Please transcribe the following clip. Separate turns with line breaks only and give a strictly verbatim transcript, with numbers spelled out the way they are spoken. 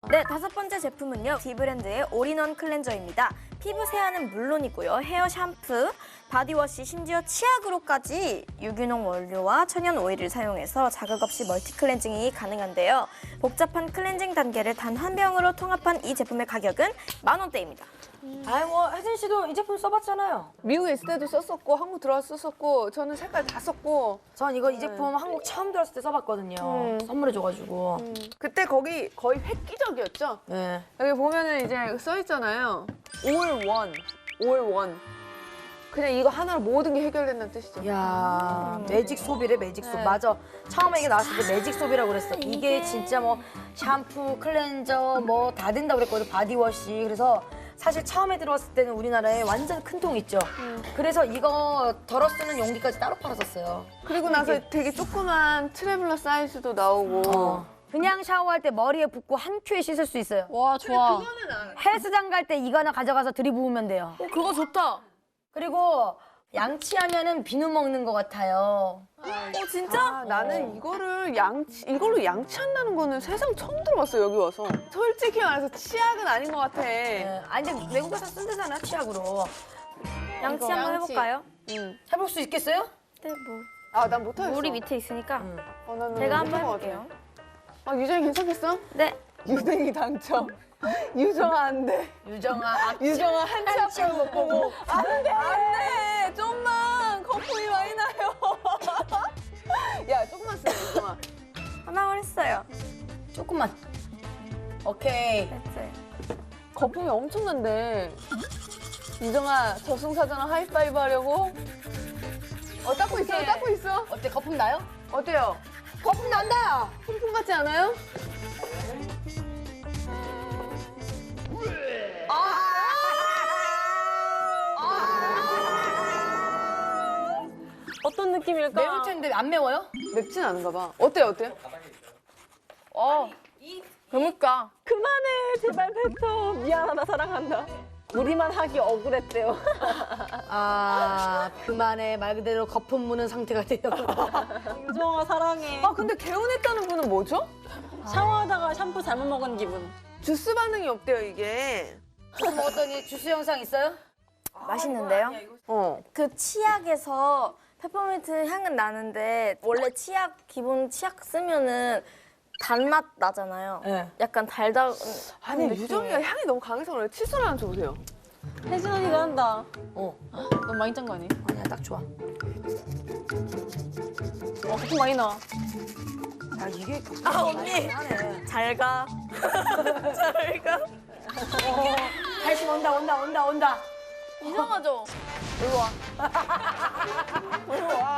네, 다섯 번째 제품은요. D브랜드의 올인원 클렌저입니다. 피부 세안은 물론이고요. 헤어 샴푸, 바디워시, 심지어 치약으로까지 유기농 원료와 천연 오일을 사용해서 자극 없이 멀티 클렌징이 가능한데요. 복잡한 클렌징 단계를 단 한 병으로 통합한 이 제품의 가격은 만 원대입니다.
아이 뭐 혜진 씨도 이 제품 써봤잖아요.
미국에 있을 때도 썼었고 한국 들어와서 썼었고 저는 색깔 다 썼고
전 이거 이 제품 한국 처음 들었을 때 써봤거든요.
음.
선물해줘가지고.
그때 거기 거의 획기적이었죠?
네.
여기 보면은 이제 써 있잖아요. 올 원, 올 원. 그냥 이거 하나로 모든 게 해결된다는 뜻이죠.
야 매직 소비래 매직 소비.
네.
맞아. 처음에 이게 나왔을 때 매직 소비라고 그랬어. 이게 진짜 뭐 샴푸, 클렌저 뭐 다 된다고 그랬거든. 바디워시. 그래서 사실 처음에 들어왔을 때는 우리나라에 완전 큰 통 있죠. 그래서 이거 덜어 쓰는 용기까지 따로 팔았었어요.
그리고 나서 되게 조그만 트래블러 사이즈도 나오고.
어. 그냥 샤워할 때 머리에 붓고 한 큐에 씻을 수 있어요.
와 좋아.
헬스장 갈 때 이거 하나 가져가서 들이부으면 돼요.
어, 그거 좋다.
그리고 양치하면은 비누 먹는 것 같아요.
어, 진짜?
아, 나는 이거를 양치, 이걸로 양치한다는 거는 세상 처음 들어봤어, 여기 와서. 솔직히 말해서 치약은 아닌 것 같아.
네. 아니 근데 외국에서 쓴대잖아 치약으로.
양치
이거
한번
양치.
해볼까요?
응.
해볼 수 있겠어요?
네, 뭐.
아, 난 못하겠어.
물이 밑에 있으니까
어, 나는
제가 한번
못할 것 같아.
해볼게요.
아, 유정이 괜찮겠어?
네.
유댕이 당첨. 유정아, 안 돼.
유정아.
유정아, 한치 앞을 못 보고. 안 돼! 안 돼! 좀만! 거품이 많이 나요. 야, 조금만 쓰자, 유정아.
하나만 했어요.
조금만. 오케이.
됐어요.
거품이 엄청난데. 유정아, 저승사자랑 하이파이브 하려고? 어, 닦고 있어요, 닦고 있어.
어때 거품 나요?
어때요?
거품 난다.
통풍 같지 않아요?
어떤 느낌일까?
매울 텐데 안 매워요?
맵진 않은가 봐. 어때요, 어때요?
어. 그러니까.
그만해, 제발 뱉어. 미안하다, 사랑한다.
우리만 하기 억울했대요.
아 그만해 말 그대로 거품 무는 상태가 돼요.
유정아 사랑해.
아, 근데 개운했다는 분은 뭐죠?
샤워하다가 샴푸 잘못 먹은 기분.
주스 반응이 없대요, 이게.
먹었더니 주스 영상 있어요?
맛있는데요?
어.
그 치약에서 페퍼민트 향은 나는데 원래 치약 기본 치약 쓰면은 단맛 나잖아요.
네.
약간 달달.
아니, 유정이가 향이 너무 강해서 그래. 칫솔 하나 줘보세요.
혜진 언니가 한다.
어.
너무 많이 짠 거 아니야?
아니야 딱 좋아.
어, 거품 많이 나.
야 이게
아 언니
하네.
잘 가. 잘 가.
다시 온다 온다 온다 온다.
이상하죠?
일로 와. 일로 와.